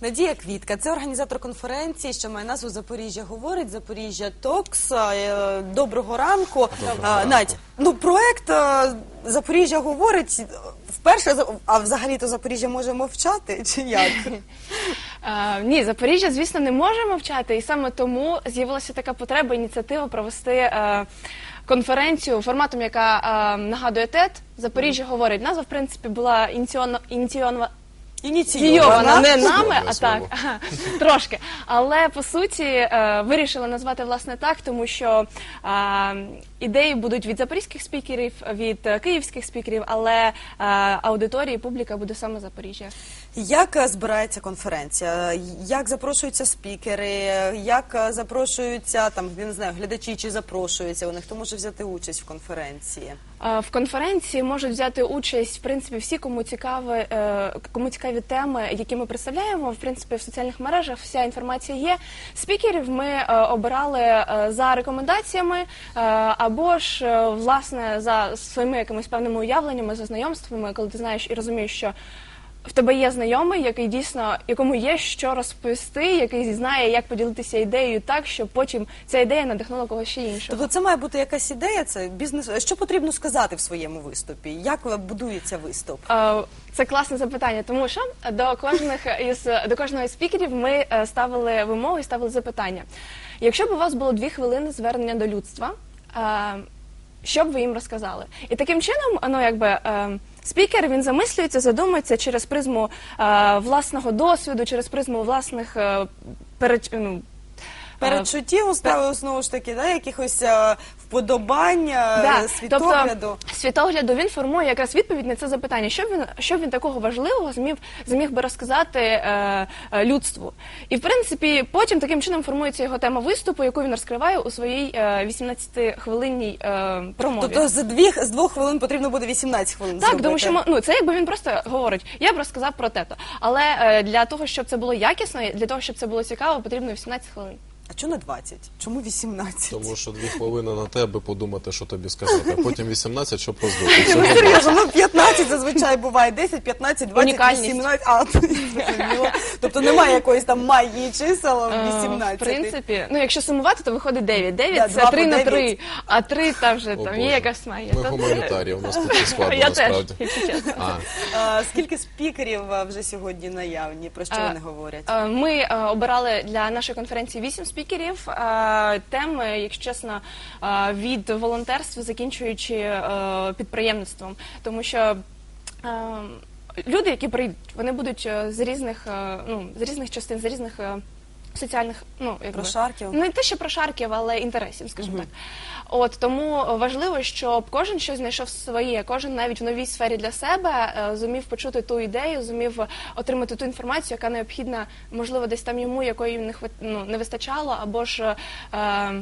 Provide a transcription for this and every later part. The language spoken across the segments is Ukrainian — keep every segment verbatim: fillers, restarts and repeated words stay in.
Надія Квітка, це організатор конференції, що має назву «Запоріжжя говорить», «Запоріжжя Токс». Е, Доброго ранку. Доброго А, ранку. Надь, ну проект е, «Запоріжжя говорить» вперше, а взагалі-то Запоріжжя може мовчати, чи як? А, ні, Запоріжжя, звісно, не може мовчати, і саме тому з'явилася така потреба, ініціатива провести е, конференцію форматом, яка е, нагадує тед. «Запоріжжя говорить». Назва, в принципі, була ініційована, ініційована Ініційована не нами, а так, ага, трошки. Але, по суті, е, вирішили назвати, власне, так, тому що е, ідеї будуть від запорізьких спікерів, від е, київських спікерів, але е, аудиторія і публіка буде саме Запоріжжя. Як е, збирається конференція? Як запрошуються спікери? Як е, запрошуються, там, я не знаю, глядачі, чи запрошуються вони? Хто може взяти участь в конференції? Е, В конференції можуть взяти участь, в принципі, всі, кому цікаві, е, кому цікаві теми, які ми представляємо. В принципі, в соціальних мережах вся інформація є. Спікерів ми е, обирали е, за рекомендаціями е, або ж, е, власне, за своїми якимись певними уявленнями, за знайомствами, коли ти знаєш і розумієш, що в тебе є знайомий, який дійсно, якому є що розповісти, який знає, як поділитися ідеєю так, щоб потім ця ідея надихнула когось ще іншого. Тобто це має бути якась ідея, це бізнес. Що потрібно сказати в своєму виступі? Як будується виступ? Е, Це класне запитання, тому що до кожних із до кожного із спікерів ми е, ставили вимоги, ставили запитання. Якщо б у вас було дві хвилини звернення до людства, е, що б ви їм розказали? І таким чином, ну якби е, спікер, він замислюється, задумується через призму е, власного досвіду, через призму власних е, перед, ну, Передчуттів уставив, знову ж таки, да, якихось е, вподобань, Да, світогляду. Тобто, світогляду він формує якраз відповідь на це запитання. Що він, що він такого важливого зміг, зміг би розказати е, е, людству? І, в принципі, потім таким чином формується його тема виступу, яку він розкриває у своїй е, вісімнадцятихвилинній е, промові. Тобто з, дві, з двох хвилин потрібно буде вісімнадцять хвилин Так, зробити. тому що ми- ну, це якби він просто говорить, я б розказав про те-то. Але е, для того, щоб це було якісно, для того, щоб це було цікаво, потрібно вісімнадцять хвилин. А чому не двадцять? Чому вісімнадцять? Тому що дві хвилини на тебе подумати, що тобі сказати, а потім вісімнадцять, щоб роздути. Ну, серйозно, ну п'ятнадцять зазвичай буває, десять, п'ятнадцять, двадцять, Унікальність. вісімнадцять, а, зрозуміло. Тобто немає якоїсь там магії чисел Е, вісімнадцять. В принципі, ну якщо сумувати, то виходить дев'ять. Да, дев'ять два це три по на дев'ять. три, а три там вже О, там Боже. є якась магія. Ми То- гуманітарії, у нас тут і складно Я теж, насправді. якщо чесно. А, А, скільки спікерів а, вже сьогодні наявні? Про що А, вони говорять? Е, Ми е, обирали для нашої конференції вісім спікерів. Е, Теми, якщо чесно, е, від волонтерства, закінчуючи е, підприємництвом. Тому що е, люди, які прийдуть, вони будуть е, з різних, е, ну, з різних частин, з різних е, соціальних, ну, якби, Прошарків? не те, що прошарків, але інтересів, скажімо так. От, тому важливо, щоб кожен щось знайшов своє, кожен навіть в новій сфері для себе е, зумів почути ту ідею, зумів отримати ту інформацію, яка необхідна, можливо, десь там йому, якої не, хват... ну, не вистачало, або ж е,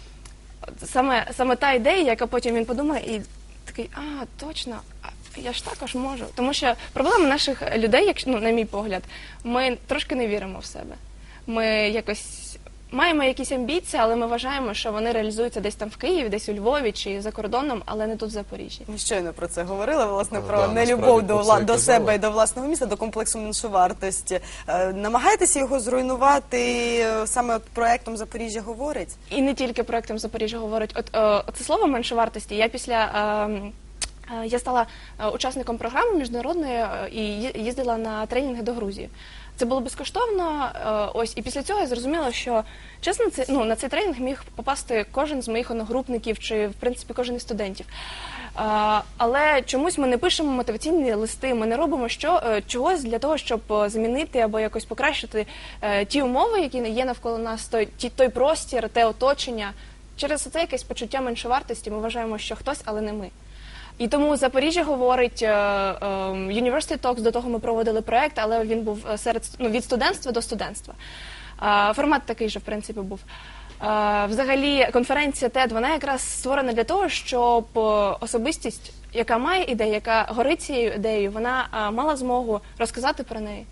саме, саме та ідея, яка потім він подумає і такий, а, точно, а я ж також можу. Тому що проблема наших людей, якщо, ну, на мій погляд, ми трошки не віримо в себе. Ми якось маємо якісь амбіції, але ми вважаємо, що вони реалізуються десь там в Києві, десь у Львові чи за кордоном, але не тут в Запоріжжі. Ми щойно про це говорили, власне, А, про да, нелюбов насправді до, про це вла- і до казали. себе і до власного міста, до комплексу меншовартості. Е, намагаєтеся його зруйнувати е, саме от проектом «Запоріжжя говорить»? І не тільки проектом «Запоріжжя говорить». От е, це слово меншовартості. Я після е, е, я стала е, учасником програми міжнародної е, і ї- їздила на тренінги до Грузії. Це було безкоштовно. е, Ось і після цього я зрозуміла, що чесно, це ну на цей тренінг міг попасти кожен з моїх одногрупників чи в принципі кожен із студентів. Е, Але чомусь ми не пишемо мотиваційні листи, ми не робимо що е, чогось для того, щоб е, змінити або якось покращити е, ті умови, які є навколо нас, той ті той простір, те оточення. Через це якесь почуття меншовартості. Ми вважаємо, що хтось, але не ми. І тому «Запоріжжя говорить», е, е, University Talks, до того ми проводили проект, але він був серед, ну, від студентства до студентства. Е, Формат такий же, в принципі, був. Е, Взагалі, конференція тед, вона якраз створена для того, щоб е, особистість, яка має ідею, яка горить цією ідеєю, вона е, мала змогу розказати про неї.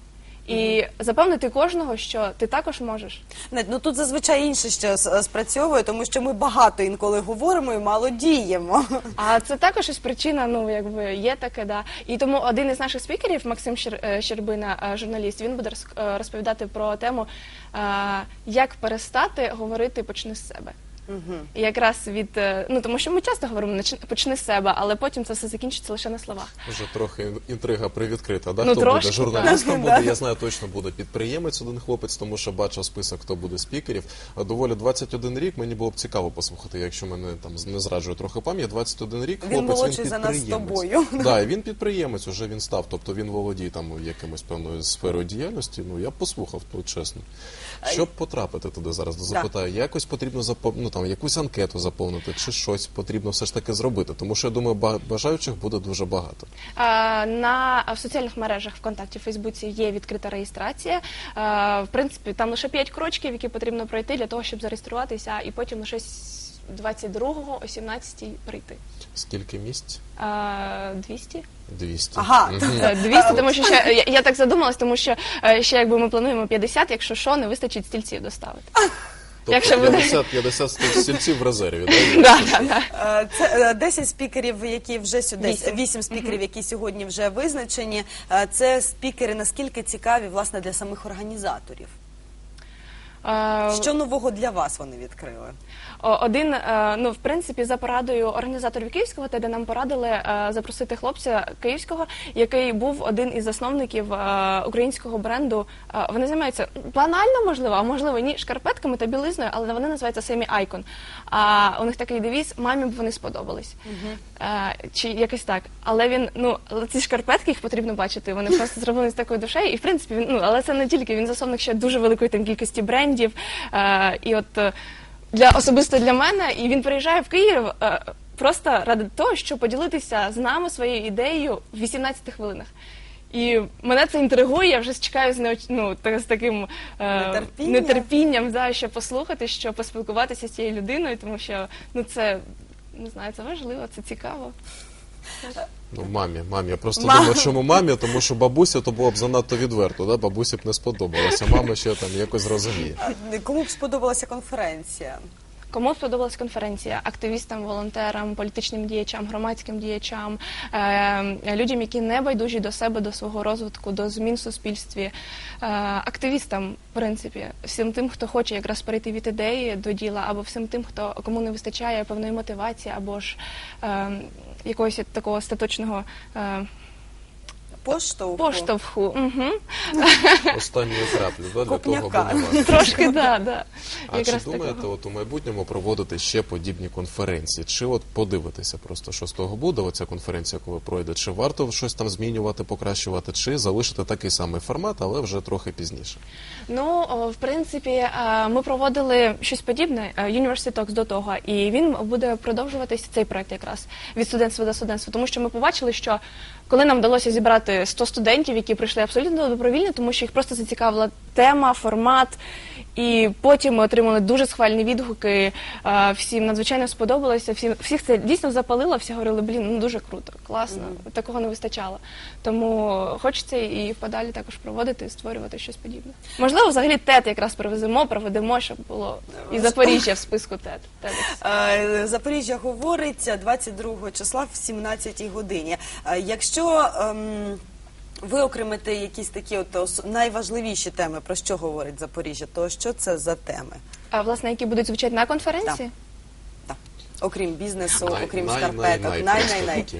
і запевнити кожного, що ти також можеш. Нет, ну тут зазвичай інше ще с- спрацьовує, тому що ми багато інколи говоримо і мало діємо. А це також ось причина, ну якби є таке, да. І тому один із наших спікерів, Максим Щер- е, Щербина, е, журналіст, він буде роз- е, розповідати про тему, е, як перестати говорити «почни з себе». І якраз від, е, ну тому що ми часто говоримо «Нач- «почни з себе», але потім це все закінчиться лише на словах. Вже трохи інтрига привідкрита, да? Ну, Хто трошки, буде журналістом, так. буде, я знаю, точно буде підприємець один хлопець, тому що бачив список, хто буде спікерів. А доволі двадцять один рік, мені було б цікаво послухати, якщо мене там не зраджує трохи пам'ять, двадцять один рік, Він хлопець, молодший він за нас з підприємець. тобою. Да, і він підприємець, уже він став, тобто він володіє там якимось певною сферою діяльності, ну я б послухав, то чесно. Щоб потрапити туди зараз, запитаю, якось потрібно запов... ну, там, якусь анкету заповнити, чи щось потрібно все ж таки зробити, тому що, я думаю, ба- бажаючих буде дуже багато. А, На в соціальних мережах ВКонтакті, Фейсбуці є відкрита реєстрація. А, В принципі, там лише п'ять крочків, які потрібно пройти для того, щоб зареєструватися, і потім лише с- двадцять другого о сімнадцятій прийти. Скільки місць? А, двісті? двісті. Ага. Мгм. Е, двісті, тому що ще, я, я так задумалась, тому що е, ще якби ми плануємо п'ятдесят, якщо що, не вистачить стільців доставити. Тобто Якщо буде- п'ятдесят, п'ятдесят стільців в резерві, да? Да, да, да. Е, Це е, десять спікерів, які вже сюди, Вісім. вісім спікерів, які сьогодні вже визначені. Е, Це спікери наскільки цікаві, власне, для самих організаторів. Е, Що нового для вас вони відкрили? О, Один, е, ну, в принципі, за порадою організаторів Київського ТЕДа нам порадили е, запросити хлопця київського, який був один із засновників е, українського бренду. Е, Вони займаються банально, можливо, а можливо ні, шкарпетками та білизною, але вони називаються Семі Айкон. А у них такий девіз «Мамі б вони сподобались». Е, Чи якось так. Але він, ну, але ці шкарпетки, їх потрібно бачити, вони просто зроблені з такою душею. І, в принципі, він, ну, але це не тільки, він засновник ще дуже великої там кількості брендів. Е, І от е, для особисто для мене, і він приїжджає в Київ е, просто ради того, щоб поділитися з нами своєю ідеєю в вісімнадцяти хвилинах. І мене це інтригує, я вже чекаю з, неоч... ну, та- з таким е, Нетерпінням. нетерпінням, да, щоб послухати, щоб поспілкуватися з цією людиною, тому що ну, це, не знаю, це важливо, це цікаво. Ну, мамі, мамі. Я просто Мам. думаю, чому мамі, тому що бабуся то було б занадто відверто, да? Бабусі б не сподобалося, мама ще там якось зрозуміє. Е, Кому б сподобалася конференція? Кому сподобалась конференція? Активістам, волонтерам, політичним діячам, громадським діячам, е, людям, які не байдужі до себе, до свого розвитку, до змін в суспільстві, е, активістам, в принципі, всім тим, хто хоче якраз перейти від ідеї до діла, або всім тим, хто кому не вистачає певної мотивації, або ж е, якогось такого остаточного е, Поштовху? поштовху. Угу. Останньої краплі, да? Для того, Копняка. аби не важко. Трошки, да, да. А чи Якраз думаєте, такого. от у майбутньому проводити ще подібні конференції? Чи от подивитися просто, що з того буде, оця конференція, коли пройде? Чи варто щось там змінювати, покращувати, чи залишити такий самий формат, але вже трохи пізніше? Ну, о, в принципі, е, ми проводили щось подібне, е, University Talks до того, і він буде продовжуватися, цей проект якраз, від студентства до студентства, тому що ми побачили, що коли нам вдалося зібрати сто студентів, які прийшли абсолютно добровільно, тому що їх просто зацікавила тема, формат, і потім ми отримали дуже схвальні відгуки, е, всім надзвичайно сподобалося, всім, всіх це дійсно запалило, всі говорили, блін, ну дуже круто, класно, такого не вистачало. Тому хочеться і подалі також проводити, створювати щось подібне. Можливо, взагалі ТЕД якраз привеземо, проведемо, щоб було і Запоріжжя в списку ТЕД. TEDx. Е, Запоріжжя говориться двадцять другого числа в сімнадцятій годині. Е, Якщо ем, виокремити якісь такі от ос- найважливіші теми, про що говорить Запоріжжя, то що це за теми? А власне, які будуть звучати на конференції? Так. Окрім бізнесу, Най- окрім най- шкарпеток, най- най- най-най-най. просто такі.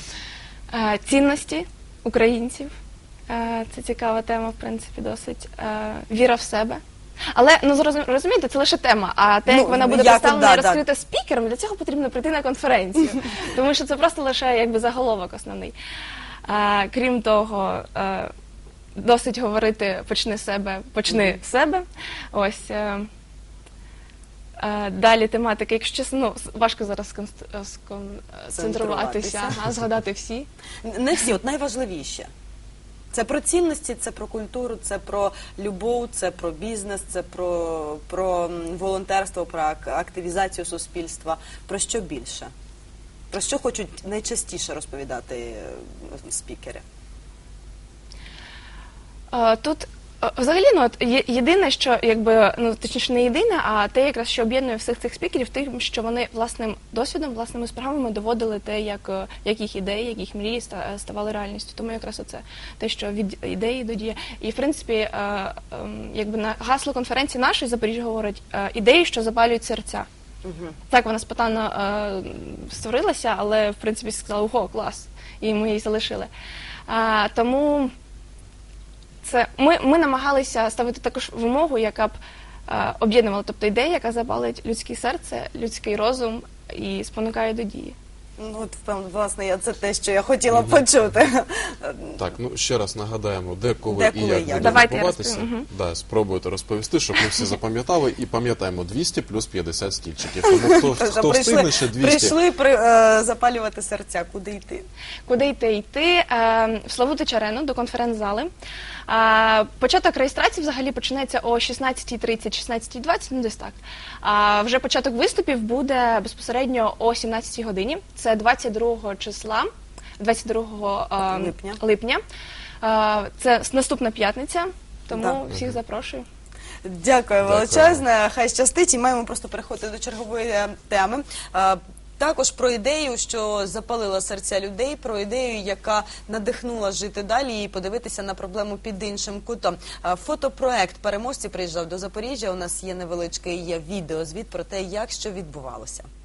Е, Цінності українців. Е, Це цікава тема, в принципі, досить. Е, Віра в себе. Але, ну, зрозум- розумієте, це лише тема, а те, Ну, як вона буде як, представлена і да, да. розкрита спікером, для цього потрібно прийти на конференцію. Тому що це просто лише якби заголовок основний. Е, Крім того, е, досить говорити «почни з себе, почни з себе». Ось. е, е, Далі тематика, якщо чесно, ну, с- важко зараз сконст- сконцентруватися, Центруватися. ага, згадати всі. Не всі, от найважливіше. Це про цінності, це про культуру, це про любов, це про бізнес, це про, про м, волонтерство, про ак- активізацію суспільства. Про що більше? Про що хочуть найчастіше розповідати е, спікери? Е, Тут е, взагалі, ну, от, є- єдине, що, якби, ну, точніше, не єдине, а те, якраз, що об'єднує всіх цих спікерів, тим, що вони власним досвідом, власними справами доводили те, як, е, як їх ідеї, як їх мрії ста- ставали реальністю. Тому якраз оце те, що від ідеї до дії. І, в принципі, е, ем, якби на гасло конференції нашої Запоріжжя говорить е, ідеї, що запалюють серця. Так, вона спонтанно е, створилася, але, в принципі, сказали, ого, клас, і ми її залишили. А, тому це, ми, ми намагалися ставити також вимогу, яка б е, об'єднувала, тобто ідея, яка запалить людське серце, людський розум і спонукає до дії. Ну, от, впевнено, власне, я- це те, що я хотіла почути. Так, ну ще раз нагадаємо, де, коли Де, і коли, як як. буде Давайте я відбуватися. розповім, мгм. Да, спробуйте розповісти, щоб ми всі запам'ятали. І пам'ятаємо, двісті плюс п'ятдесят стільчиків. Тому хто, Тож, хто прийшли, встигне ще двісті. прийшли при, е, запалювати серця, куди йти? Куди йти? Йти е, в Славутич Арену до конференц-зали. Е, початок реєстрації взагалі починається о шістнадцятій тридцять, шістнадцятій двадцять, ну десь так. А вже початок виступів буде безпосередньо о сімнадцятій годині. Це двадцять другого числа, двадцять другого е, Липня. липня. Е, це наступна п'ятниця, тому Да. всіх запрошую. Дякую Дякую. величезне, хай щастить, і маємо просто переходити до чергової е, теми. Е, Також про ідею, що запалила серця людей, про ідею, яка надихнула жити далі і подивитися на проблему під іншим кутом. Е, Фотопроект переможці приїжджав до Запоріжжя. У нас є невеличкий є відеозвіт про те, як що відбувалося.